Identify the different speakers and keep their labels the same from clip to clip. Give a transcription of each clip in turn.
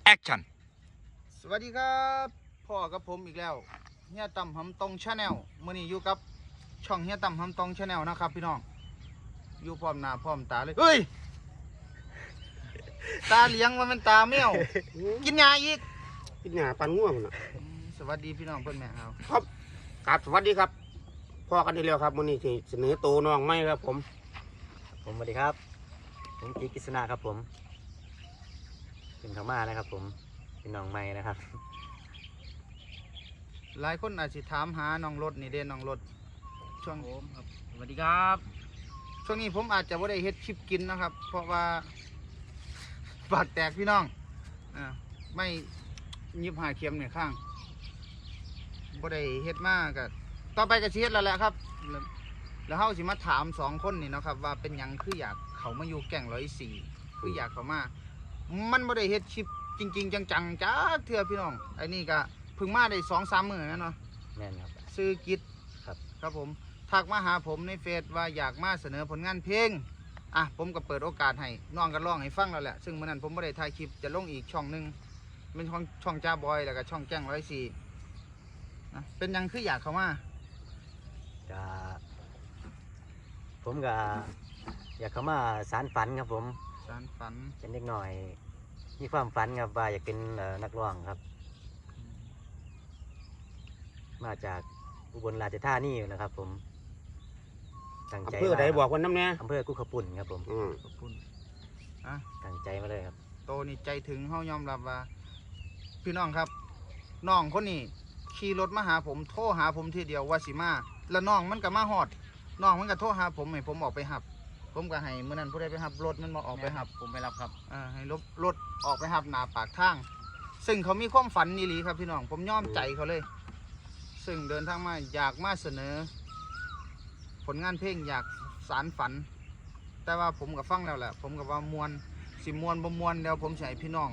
Speaker 1: Action
Speaker 2: สวัสดีครับพ่อกับผมอีกแล้วเฮียต่ำหำตรงชาแนลมื่อนี้อยู่กับช่องเฮียต่ำหำตรงชาแนลนะครับพี่น้องอยู่พร้อมหน้าพร้อมตาเลยเฮ้ยตาเลี้ยงว่ามันตาแมวกินยาอีก
Speaker 3: กินหญ้าปันง่วงน่ะ
Speaker 2: สวัสดีพี่น้องเพื่อนแม่ครับ
Speaker 3: ครับสวัสดีครับพ่อกันทีเดียวครับวันนี้ที่เสนอตัวน้องไม่ครับผม
Speaker 4: สวัสดีครับผมกีกฤษณะครับผมเป็นธรรมานะครับผมเป็นน้องใหม่นะครับ
Speaker 2: หลายคนอาจจะถามหาน้องรถนี่เด่นน้องรถช่วง
Speaker 4: ผมครับสวัสดีครับ
Speaker 2: ช่วงนี้ผมอาจจะไม่ได้เฮ็ดคลิปกินนะครับ เพราะว่าปากแตกพี่น้องไม่ยิบหาเข็มเนี่ยข้างบ่ได้เฮ็ดมากก็ต่อไปก็สิเฮ็ดแล้วแหละครับ แล้วเฮาสิมาถามสองคนนี่เนาะครับว่าเป็นหยังคืออยากเขามาอยู่แก่ง104คืออยากเขามามันบ่ได้เฮ็ดคลิปจริงๆจังๆจ้าเทื่อพี่น้องไอ้นี่ก็เพิ่งมาได้2-3 มื้อนะเนาะ
Speaker 4: แม่นครับ
Speaker 2: ซื้อกิจ
Speaker 4: ครับ
Speaker 2: ครับผมทักมาหาผมในเฟซว่าอยากมาเสนอผลงานเพลงผมก็เปิดโอกาสให้น้องก็ร้องให้ฟังแล้วแหละซึ่งเมื่อนั้นผมไม่ได้ถ่ายคลิปจะลงอีกช่องหนึงเป็นช่องจ้าบอยแล้วก็ช่องแจ้ง104เป็นหยังคืออยากเข้ามา
Speaker 4: ก็ผมก็อยากเข้ามาสารฝันครับผม
Speaker 2: สารฝัน
Speaker 4: เป็นเด็กหน่อยมีความฝันครับว่าอยากเป็นนักร้องครับ มาจากอุบลราชธานีนะครับผมตั้งใจ
Speaker 3: อำเภอใดบอกคนน้ำเนี่ย
Speaker 4: อำเภอกุขปุ่นครับผม
Speaker 2: ขอบคุณ
Speaker 4: ตั้งใจมาเลยครับ
Speaker 2: โตนี่ใจถึงเฮายอมรับว่า พี่น้องครับน้องคนนี้ขี่รถมาหาผมโทรหาผมทีเดียวว่าสิมาแล้วน้องมันก็มาฮอดน้องมันก็โทรหาผมให้ผมออกไปหับ ผมก็ให้เมื่อนั้นผู้ใดไปหับรถมันมาออกไปหับ
Speaker 4: ผมไปรับครับ
Speaker 2: ให้รถออกไปหับหน้าปากทาง ซึ่งเขามีความฝันนี่หลีครับพี่น้องผมยอมใจเขาเลย ซึ่งเดินทางมาอยากมาเสนอ ผลงานเพลงอยากสารฝัน แต่ว่าผมก็ฟังแล้วแหละผมก็ว่ามวนสิมวนบ่มวนเดี๋ยวผมสิให้พี่น้อง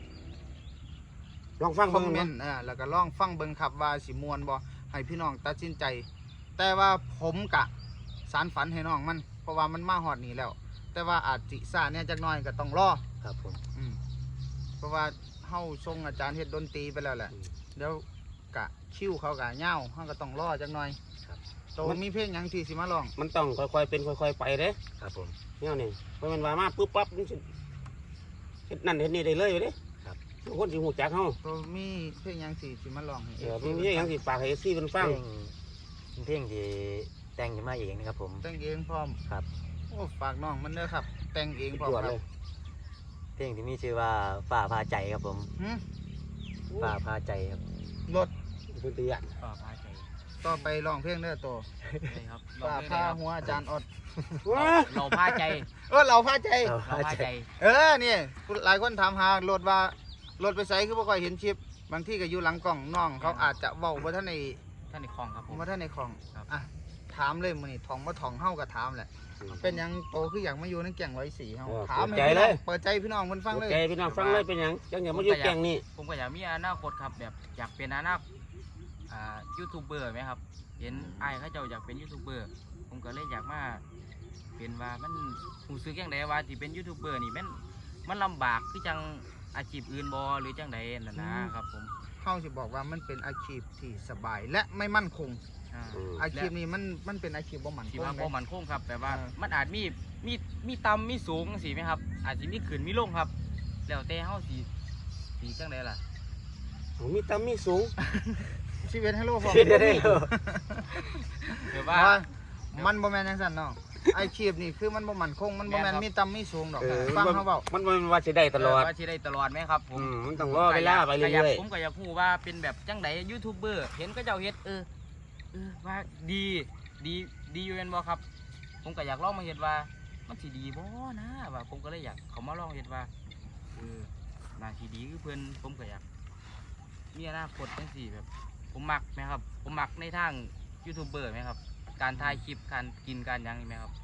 Speaker 3: ลองฟัง
Speaker 2: คอ
Speaker 3: เบิ่
Speaker 2: ม
Speaker 3: ง
Speaker 2: เม
Speaker 3: เนาะ
Speaker 2: นต์แล้วก็ลองฟังเบิ่งครับว่าสิมวนบ่ให้พี่น้องตัดสินใจ แต่ว่าผมกะสารฝันให้น้องมันเพราะว่ามันมาฮอดนี่แล้ว แต่ว่าอาจสิซ่าเนี่ยจักหน่อยก็ต้องรอ
Speaker 4: ครับผม
Speaker 2: เพราะว่าเฮาส่งอาจารย์เฮ็ดดนตรีไปแล้วแหละเดี๋ยวกะคิวเขากะเหย้าเฮาก็ต้องรอจักหน่อยโตมีเพลงหยังที่สิมาร้อง
Speaker 3: มันต้องค่อยๆเป็นค่อยๆไปเด้
Speaker 4: ครับผม
Speaker 3: เนี่ยนี่เพราะมันว่ามาปุ๊บปั๊บมันสิเฮ็ดนั่นเฮ็ดนี่ได้เลยเด้ทุกคนสิหูจักเฮา
Speaker 2: โตมีเพลงหยังที่สิมาร้องให้
Speaker 3: มีอย่างสิฝากให้ซี่เพิ่นฟัง
Speaker 4: เพลงที่แต่งขึ้นมาเองนะครับผม
Speaker 2: แต่งเองพร้อม
Speaker 4: ครับ
Speaker 2: โอ้ฝากน้องมันเด้อครับ แต่งเองพร้อม
Speaker 3: ตรวจ
Speaker 2: ครั
Speaker 3: เล
Speaker 2: บ
Speaker 3: ย
Speaker 4: เพลงที่มีชื่อว่าฝ่าพาใจครับผม
Speaker 2: หึ
Speaker 4: ฝ่าพาใจครับ
Speaker 2: รถ
Speaker 3: เพิ่นตีอ่ะ
Speaker 4: ฝ่าพาใจ
Speaker 2: ต่อไปร้องเพลงเด้อโต
Speaker 4: ใช่ครับ
Speaker 2: ฝ่าผ้าหัวอาจารย์อด
Speaker 3: ว้า
Speaker 4: เราพาใจ
Speaker 2: เราผ้าใจ
Speaker 4: เราพาใจ
Speaker 2: นี่หลายคนถามหารถว่ารถไปไสคือบ่ค่อยเห็นชิปบางที่ก็อยู่หลังกล่องน้องเขาอาจจะเว้าบ่ทันใน
Speaker 4: ท่านในคลองครับผม
Speaker 2: บ่ทันในของ
Speaker 4: ครับ
Speaker 2: ถามเลยมื้อนี้ทองบ่ทองเฮาก็ถามแหละเป็นหยังโตคืออยากมาอยู่ในแก่ง104เฮาถามให้พี่น้องเปิดใจพี่น้องเพิ่นฟังเลย
Speaker 3: ใจพี่น้องฟังเลยเป็นหยังจังอย่ามาอยู่แกงนี่
Speaker 5: ผมก็อยากมีอนาคตครับแบบอยากเป็นอนาคตยูทูบเบอร์ไหมครับเห็นไอ้ายเขาเจ้าอยากเป็นยูทูบเบอร์ผมก็เลยอยากมาเป็นว่ามันหูซึกยังไงว่าที่เป็นยูทูบเบอร์นี่มันลำบากคือจังอาชีพอื่นบอหรือจังใดนั่นนะครับผม
Speaker 2: เฮาสิบอกว่ามันเป็นอาชีพที่สบายและไม่มั่นคง
Speaker 5: อ่า
Speaker 2: อาชีพนี้มันเป็นอาชีพบ่มั่นค
Speaker 5: ที่
Speaker 2: ง
Speaker 5: ว่า
Speaker 2: เล
Speaker 5: บ่
Speaker 2: ย
Speaker 5: มันคงครับแบบว่า
Speaker 2: อ่ามั
Speaker 5: มันอาจมีต่ำมีสูงสิไหมครับอาจจะมีขึ้นมีลงครับแล้วแต่เฮาสีจังใดล่ะ
Speaker 3: มีต่ำมีสูง
Speaker 2: ชีวิตให้โลกพอ
Speaker 4: เดี๋ยว
Speaker 5: แบบ
Speaker 2: ว่า
Speaker 5: ว่า
Speaker 2: มันบ่แม่นจังซั่นเนาะอาชีพนี่คือมันบ่มั่นคงมันบ่แม่น
Speaker 5: แม่นครับ
Speaker 2: มีต่ำมีสูงดอกฟังเขาเว้า
Speaker 3: มันบ่ว่าสิได้ตลอด
Speaker 5: ว่าสิได้ตลอดไหมครับผม
Speaker 3: มันต้องรอเวลาไปเรื่อย
Speaker 5: ผมก็อยากพูดว่าเป็นแบบจังไดยูทูบเบอร์เห็นก็เจ้าเฮ็ดว่าดีอยู่แม่นบ่ครับ ผมก็อยากลองมาเฮ็ดว่ามันสิดีบ่นะว่าผมก็เลยอยากเขามาลองเฮ็ดว่าน่าสิดีคือเพิ่นผมก็อยากมีอนาคตจังซี่แบบ ผมมักไหมครับ ผมมักในทางยูทูบเบอร์ไหมครับ การถ่ายคลิปการกินการหยังนี่ไหมครับ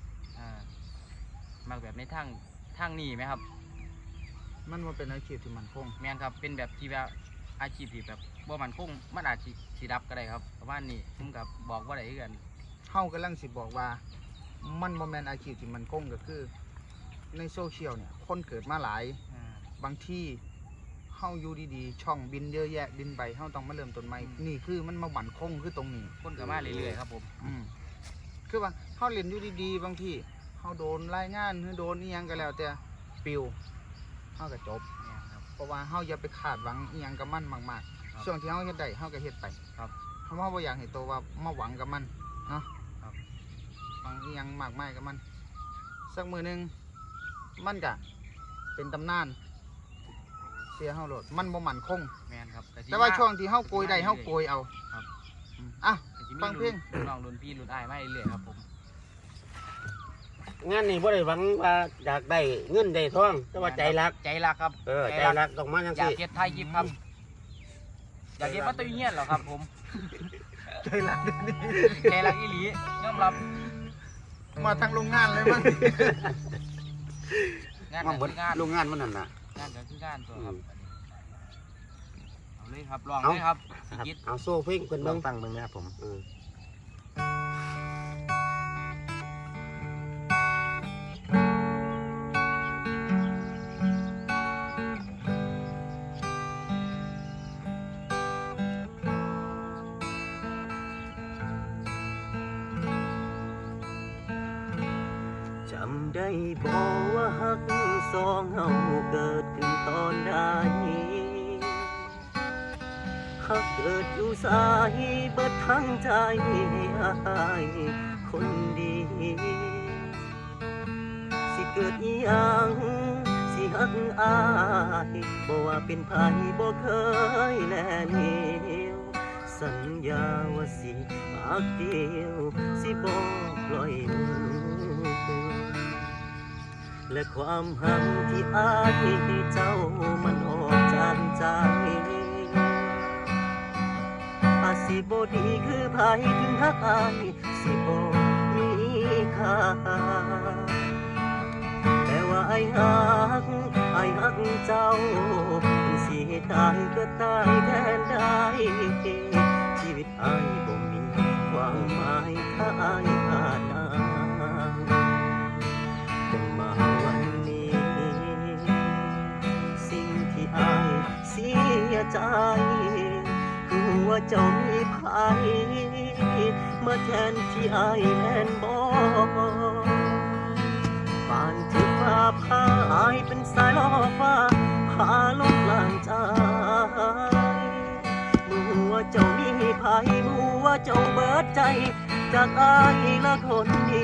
Speaker 5: มักแบบในทางนี้ไหมครับ
Speaker 2: มันบ่เป็นอาชีพที่มั่นคง
Speaker 5: แม่นครับเป็นแบบที่แบบอาชีพที่แบบบ่มันคงมันอาจสิดับก็ได้ครับประมาณนี้ผมกับบอกว่าได้คือกัน
Speaker 2: เฮากำลังสิบอกว่า มันบ่แม่นอาชีพที่มั่นคงก็คือ ในโซเชียลเนี่ยคนเกิดมาหลาย
Speaker 5: อ่า
Speaker 2: บางที่าอยู่ดีๆช่องบินเยอะแยะบินไปเฮาต้องมาเริ่มต้นใหม่นี่คือมันมาบั่นคงคือตรงนี้
Speaker 5: คนก็มาเรื่อยๆครับผม
Speaker 2: คือว่าเฮาเล่นอยู่ดีๆบางทีเฮาโดนรายงานหรือโดนอีหยังก็แล้วแต่ปิวเฮาก็จบ
Speaker 5: เนี่ยครับ
Speaker 2: เพราะว่าเฮาอย่าไปคาดหวังอีหยังกับมันมาก
Speaker 5: ครับ
Speaker 2: ๆช่วงที่เฮาเฮ็ดได้เฮาก็เฮ็ดไป
Speaker 5: ครับ
Speaker 2: เฮาบ่อยากให้ตัวว่ามาหวังกับมันเนาะ
Speaker 5: ครับ
Speaker 2: หวังอีหยังมากมายกับมันสักมื้อหนึงมันก็เป็นตำนานเสียเฮาโลดมันบ่มั่นคง
Speaker 5: แม่นครับก็สิ
Speaker 2: แต่ว่า
Speaker 5: มา
Speaker 2: ช่วงที่เฮาโกยได้เฮาโกยเอา
Speaker 5: ครับ
Speaker 2: อ่ะ
Speaker 5: ก็สิมี
Speaker 2: ฟังเพลง
Speaker 5: รุ่นน้องรุ่นพี่รุ่นอ้ายมาเรื่อยๆครับผม
Speaker 3: งานนี้บ่ได้หวังว่าอยากได้เงินได้ทองแต่ว่าใจรัก
Speaker 5: ใจรักครับ
Speaker 3: ใจรักต้องมาจัง
Speaker 5: อยาก
Speaker 3: ซี่
Speaker 5: เฮ็ดไทยยิบครับอยากเฮ็ดมาตุยเฮียนเหรอครับผม
Speaker 2: ใจรักเดี๋ยวนี้
Speaker 5: ใจรักอีหลียอมรับ
Speaker 2: มาทางโรงงานเลยมัน
Speaker 5: งาน
Speaker 3: มา
Speaker 5: ก็
Speaker 3: เบิด
Speaker 5: คืองาน
Speaker 3: โรงงานมันนั่นน่ะ
Speaker 5: งานก็คืองานตัวครับ เอาเลยครับลอง
Speaker 3: เอา
Speaker 5: เลยครับ
Speaker 4: ครับ
Speaker 5: คิด
Speaker 3: เอาโซ่เพลงเพิ่น
Speaker 4: ล
Speaker 3: เบิ่
Speaker 4: อง
Speaker 3: ง
Speaker 4: ฟังเบิ่งนะครับผม จำได้บอกว่าฮักสองเฮาเกิดขึ้นตอนใดฮักเกิดอยู่สายเบิดทั้งใจอายคนดี สิเกิดอีหยังสิฮักอายบ่ว่าเป็นไผบ่เคยแลเหลียวสัญญาว่าสิฮักเดียวสิบ่ปล่อยมือ และความหักที่อายเจ้ามันออกจากใจอาจสิบ่ดีคือไผถึงฮักอายสิบ่มีค่าแต่ว่าอายฮักเจ้าถึงสิตายก็ตายแทนได้ชีวิตอายบ่มีความหมายถ้าอายขาดอายจนมาวันนี้ สิ่งที่อายเสียใจ คือว่าเจ้ามีภัยมาแทนที่อายแม่นบ่ป่านที่ฟ้าพาอายเป็นสายล่อฟ้าพาลงกลางใจมูว่าเจ้ามีภัยมูว่าเจ้าเบิดใจ จากอายละคนนี้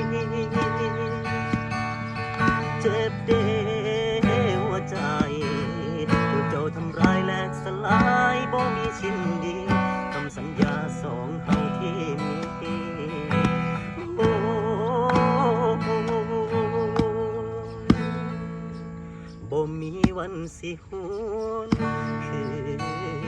Speaker 4: เจ็บเดหัวใจถูกเจ้าทำร้ายและสลายบ่มีชิ้นดีคำสัญญาสองเฮาที่มีโอ้บ่มีวันสิหวนคืน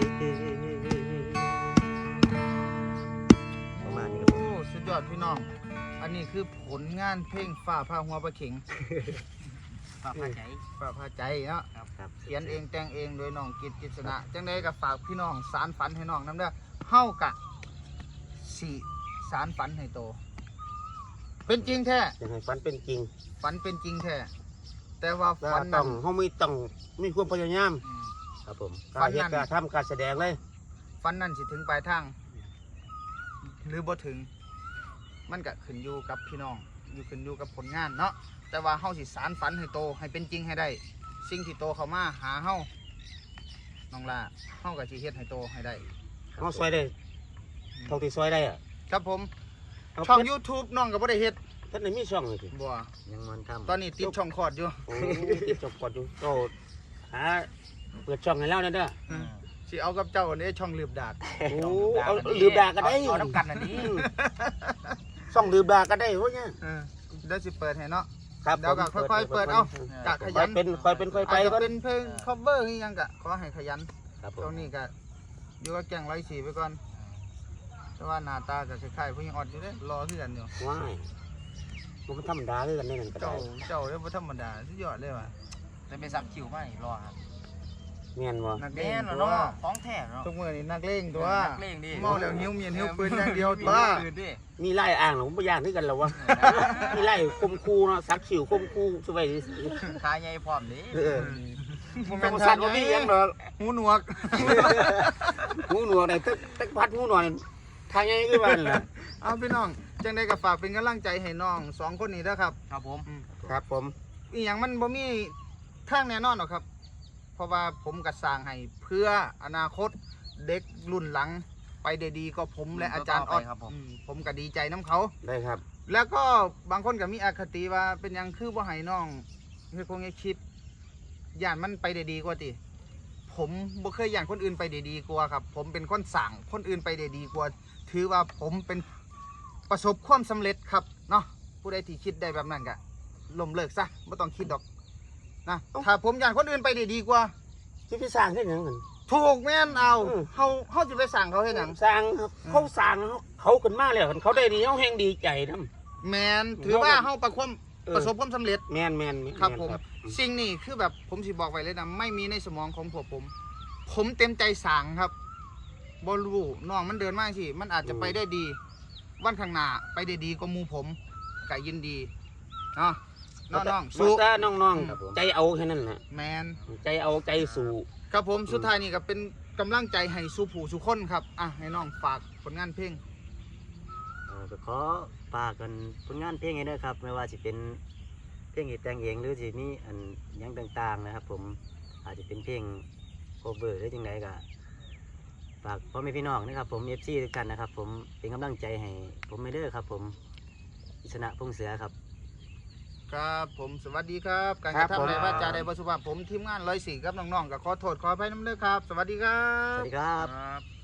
Speaker 4: ประมาณนี้ครับผม
Speaker 2: โอ้สุดยอดพี่น้อง อันนี้คือผลงานเพลงฝ่าพาหัวปลาเข็ง
Speaker 5: ฝากพาใจ
Speaker 2: ฝ่าพาใจเนาะ
Speaker 4: ครับ
Speaker 2: เขียนเองแต่งเองโดยน้องกิษณะจังได้กับฝากพี่น้องสารฝันให้น้องน้ำเด้อเฮากะสี่สารฝันให้โต เป็นจริงแท้
Speaker 3: อยากให้ฝันเป็นจริง
Speaker 2: ฝันเป็นจริงแท้แต่ว่า
Speaker 3: แล้ว
Speaker 2: ฝัน
Speaker 3: ต้
Speaker 2: นั้
Speaker 3: อน งเฮาต้องมีความพยายาม
Speaker 4: ครับผม
Speaker 3: กล้ารเฮ็ดกล้ารทำกล้ารแสดงเลย
Speaker 2: ฝันนั้นสิถึงปลายทาง หรือบ่ถึง มันก็ขึ้นอยู่กับพี่น้องอยู่ขึ้นอยู่กับผลงานเนาะแต่ว่าเฮาสิสารฝันให้โตให้เป็นจริงให้ได้ สิ่งที่โตเข้ามาหาเฮาน้องล่าเฮาก็สิเฮ็ดให้โตให้ได้
Speaker 3: เฮาซอยได้เท่าที่ซอยได้อะ
Speaker 2: ครับผม
Speaker 3: เอา
Speaker 2: ช่อง
Speaker 3: เพิ่น
Speaker 2: YouTube น้องก็บ่ได้เฮ็ด
Speaker 3: ท่านได้มีช่องเลยสิ
Speaker 2: บ่
Speaker 4: ยังมันทำ
Speaker 2: ตอนนี้ติดช่องคอร์ดอยู่
Speaker 3: โอ้ติดจบก่อนอยู่โตหาเปิดช่องให้แล้วนะเด้อ
Speaker 2: สิเอากับเจ้าเนี่ยช่องลืบดาด
Speaker 3: โอ้เอาลืมด่าก็ได้
Speaker 5: เอาน้ำกันอันนี้
Speaker 3: ช่องลืมด่าก็ได้โว้ยเนี่ย
Speaker 2: เดี๋ยวสิเปิดให้เนาะ
Speaker 3: ครับ
Speaker 2: เดี๋ยวก็
Speaker 3: ผม
Speaker 2: ค่อยๆเปิดเอา กะข
Speaker 3: ค่
Speaker 2: ยั
Speaker 3: อย
Speaker 2: น
Speaker 3: เป็นค่อยเป็นค่อยไป
Speaker 2: อาจจะ
Speaker 3: ก่อน
Speaker 2: เป็นเพลง cover คือหยังกะขอให้ขยัน
Speaker 4: ครับผ
Speaker 2: ช่ว
Speaker 4: ม
Speaker 2: งนี้ก็อยู่กับแกง104ไปก่อน แต่ว่าหน้าตาก็คล้ายๆผู้หญิงอ่อนอยู่เด้รอคือกันอยู่
Speaker 3: ว้ายมันธรรมดาเลยกันนี่นั่นก็ได้
Speaker 2: เจ้าเด้บ่ธรรมดาสุดยอดเลยว่ะ
Speaker 5: จะไปซับคิวมาอีกรอครับ
Speaker 3: เมียนบ่
Speaker 2: นักเล
Speaker 5: แม่
Speaker 2: ง
Speaker 5: น
Speaker 2: ตั
Speaker 5: เนาะ
Speaker 2: ว
Speaker 5: ของแท้เนาะ
Speaker 2: ทุกมื้อนี้นักเลงตัว
Speaker 5: นักเลงดิ
Speaker 2: เมาแล้วหิวเมียนหิวปืนอย่างเดียวตัว
Speaker 5: ปืนดิ
Speaker 3: มีไล่อ่างหรอผมบ่ย่านคือกันแล้ววะมีไล่คมคูเนาะสักขิวคมคูช่วย
Speaker 5: ขาใหญ่พร้อมดิ
Speaker 3: เออ
Speaker 2: ผม
Speaker 3: ธร
Speaker 2: เป็น
Speaker 3: รม
Speaker 2: ทา
Speaker 3: ชาติ
Speaker 2: น
Speaker 3: บ่มีหยังดอก
Speaker 2: หูหนวก
Speaker 3: หูหนวกได้ตึกพัดหูหนวกนี่ทางใหญ่คือบ้านล่ะ
Speaker 2: เอาพี่น้องจังได้ก็ฝากเป็นกำลังใจให้น้องสองคนนี้นะครับ
Speaker 5: ครับผม
Speaker 3: ครับผม
Speaker 2: อีหยังมันบ่มีทางแน่นอนหรอกครับ เพราะว่าผมก็สร้างให้เพื่ออนาคตเด็กรุ่นหลังไปได้ดีก็ผมและอาจารย์ออด
Speaker 5: ครับผม
Speaker 2: ผมก็ดีใจน้ำเขา
Speaker 3: ได้ครับ
Speaker 2: แล้วก็บางคนก็มีอคติว่าเป็นหยังคือบ่ให้น้องเฮ็ดคงเฮ็ดคลิปย่านมันไปได้ดีกว่าติผมบ่เคยย่านคนอื่นไปได้ดีกว่าครับ ผมเป็นคนสั่งคนอื่นไปได้ดีกว่า ถือว่าผมเป็นประสบความสำเร็จครับเนาะผู้ใดที่คิดได้แบบนั้นก็ล้มเลิกซะไม่ต้องคิดดอกนะถ้าผมย่านคนอื่นไปได้ดีกว่า
Speaker 3: สิไปสร้างเฮ็ดหยังกัน
Speaker 2: ถูกแม่นเอา
Speaker 3: อืม
Speaker 2: เฮาสิไปสั่งเขาเฮ็ดหยัง
Speaker 3: สร้างเขาสร้างเขาขึ้นมาแล้วคันเขาได้ดีเขาแฮงดีใจนำ
Speaker 2: แม่นถือว่าเฮาประสบความสำเร็จ
Speaker 3: แม่น
Speaker 2: ครับผมสิ่งนี้คือแบบผมสิบอกไว้เลยนะไม่มีในสมองของผมเต็มใจสั่งครับบอลูน้องมันเดินมากสิมันอาจจะไปได้ดี วันข้างหน้าไปได้ดีกว่าหมูผมก็ยินดีเนาะน้องๆ
Speaker 3: สู้
Speaker 2: สู้
Speaker 3: ตาน้อง
Speaker 4: ครับผม
Speaker 3: ๆใจเอาแค่นั้นแหละ
Speaker 2: แมน
Speaker 3: ใจเอาใจสู้
Speaker 2: ครับผมสุดท้ายนี่ก็เป็นกำลังใจให้สู้ผู้สู้คนครับอ่ะให้น้องฝากผลงานเพลง
Speaker 4: ก็ขอฝากกันผลงานเพลงให้ด้วยครับไม่ว่าจะเป็นเพลงที่แต่งเองหรือจะมีอันหยังต่างๆนะครับ ผมอาจจะเป็นเพลงโคเวอร์หรือจังไดก็ฝากพ่อแม่พี่น้องนะครับผม FC ด้วยกันนะครับ ผมเป็นกำลังใจให้ผมไม่เด้อครับ ผมอิสระพงษ์เสือครับ
Speaker 2: ครับผมสวัสดีครับ การกระทำในว่าจาใดบสุภาพผมทีมงาน104ครับน้องๆก็ขอโทษขออภัยน้ำเด้อครับ สวัสดีครั
Speaker 4: ส
Speaker 2: บ
Speaker 4: วัสดีครับ
Speaker 5: ครับ